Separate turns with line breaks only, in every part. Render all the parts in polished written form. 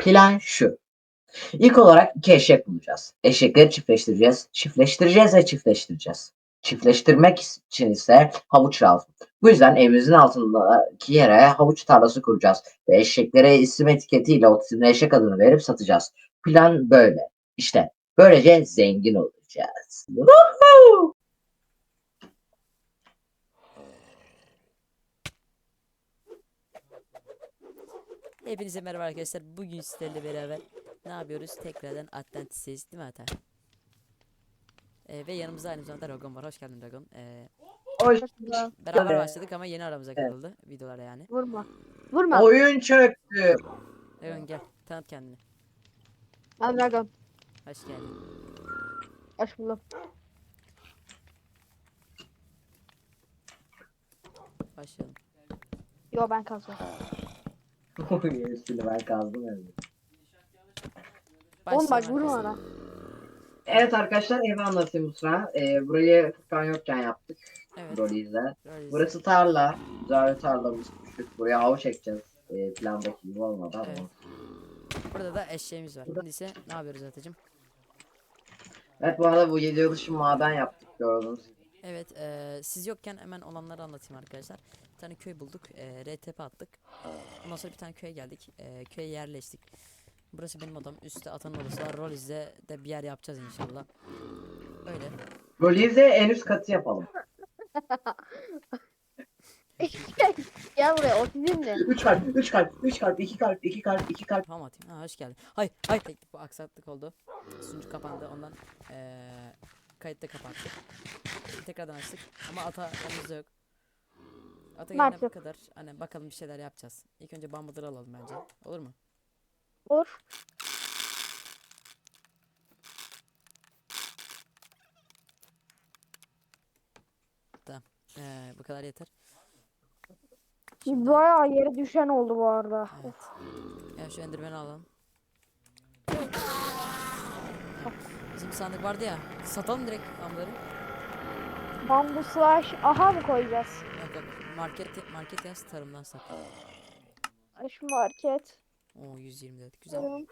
Plan şu. İlk olarak 2 eşek bulacağız. Eşekleri çiftleştireceğiz. Çiftleştireceğiz ve çiftleştireceğiz. Çiftleştirmek için ise havuç lazım. Bu yüzden evimizin altındaki yere havuç tarlası kuracağız ve eşeklere isim etiketiyle o isimli eşek adını verip satacağız. Plan böyle. İşte böylece zengin olacağız. Woohoo!
Hepinize merhaba arkadaşlar. Bugün sizlerle beraber ne yapıyoruz? Tekrardan Atlantis'teyiz değil mi Ata? Ve yanımızda aynı zamanda Dragon var. Hoş geldin Dragon.
Hoş
Beraber başladık ama yeni aramıza katıldı. Videolara yani.
Vurma. Vurma.
Oyun çöktü.
Dragon gel. Tanıt kendini.
Ben Dragon.
Hoş geldin.
Hoş buldum.
Başlayalım.
Yo ben kalsın.
Yenisini ben kazdım evde.
Oğlum bak
Başlayalım
vurma
arkadaşlar.
ona.
Evet arkadaşlar evi anlatayım bu sıra. Burayı Furkan yokken yaptık.
Evet.
Rolizle.
Rollies.
Burası tarla. Güzel bir tarlamız küçük. Buraya havuç ekeceğiz. Plandaki gibi olmadı ama.
Evet. Burada da eşeğimiz var. Şimdi ise ne yapıyoruz Atacığım?
Evet bu arada bu 7 yıl dışı maden yaptık gördüğünüz gibi.
Evet. Siz yokken hemen olanları anlatayım arkadaşlar. Bir tane köy bulduk. RTP attık. Ondan sonra bir tane köye geldik. Köye yerleştik. Burası benim odam. Üstte Atan'ın odası var. Roliz'de de bir yer yapacağız inşallah. Öyle.
Roliz'e en üst katı yapalım.
Gel buraya otizm de.
3 kalp, 3 kalp, 3 kalp, 2 kalp, 2 kalp, 2 kalp.
Tamam atayım. Ha, hoş geldin. Hay teknik bu aksaklık oldu. Sunucu kapandı. Ondan kayıtta kapattık. Tekrardan açtık. Ama Ata yanımızda yok. Ata gelene
Maalesef.
kadar hani bakalım bir şeyler yapacağız. İlk önce bambuları alalım bence. Olur mu?
Vur.
Tamam. Bu kadar yeter.
Bayağı yere düşen oldu bu arada.
Evet. Ya şu enderman'i alalım. Bizim bir sandık vardı ya. Satalım direkt bambuları.
Bambu slash aha mı koyacağız?
Yok. Market yaz tarımdan sat.
Şu market.
Oo 124 güzel.
Vurdum.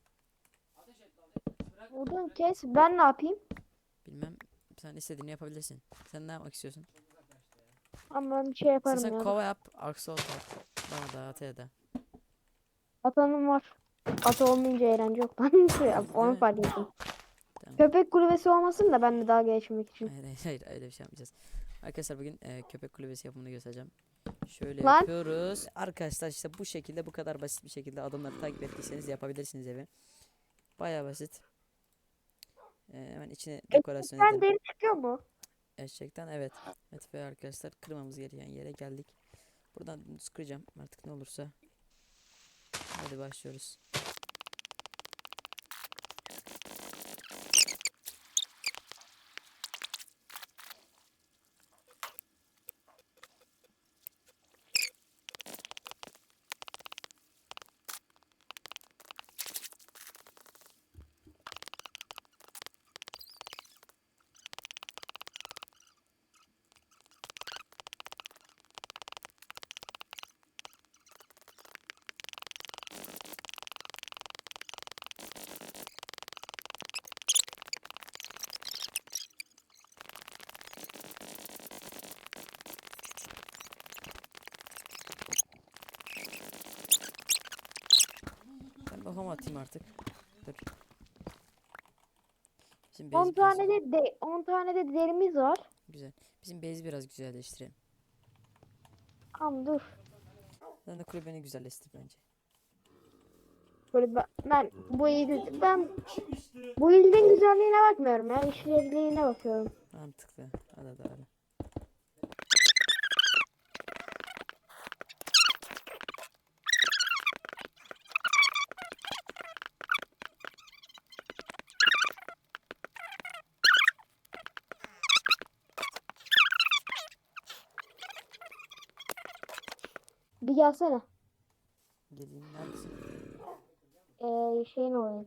Vurdum kes. Ben ne yapayım?
Bilmem sen istediğini yapabilirsin. Sen ne yapmak istiyorsun?
Ama ben bir şey yaparım
Sen
ya.
kova yap, aksol yap. Bana da Ataya da.
Atanım var. Ata olmayınca eğlence yok lan. Onu fark ettim.
Tamam.
Köpek kulübesi olmasın da ben de daha geçmek için.
Hayır öyle bir şey yapmayacağız. Arkadaşlar bugün köpek kulübesi yapımını göstereceğim. Şöyle
Lan.
yapıyoruz. Arkadaşlar işte bu şekilde bu kadar basit bir şekilde adımları takip ettiyseniz yapabilirsiniz evi. Bayağı basit. Hemen içine dekorasyon
Sen
edelim.
deri çıkıyor mu?
Eşekten evet. Evet ve arkadaşlar kırmamız gereken yere geldik. Buradan dümdüz kıracağım artık ne olursa. Hadi başlıyoruz. Ben kafama atayım artık. Dur. Bizim
10
base
tane de 10 tane de derimiz var.
güzel. Bizim base'i biraz güzelleştirelim.
Tamam dur.
Sen de kulübeni güzelleştir bence.
Böyle ben bu ilin güzelliğine bakmıyorum ya. İşlevliğine bakıyorum.
Mantıklı. Hadi doğru.
Bir gelsene.
Geleyim neredesin?
Şeyin olayım.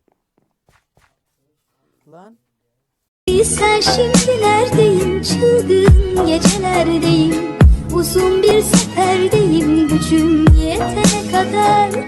Lan.
Sen şimdilerdeyim, çılgın gecelerdeyim. Uzun bir seferdeyim, gücüm yetene kadar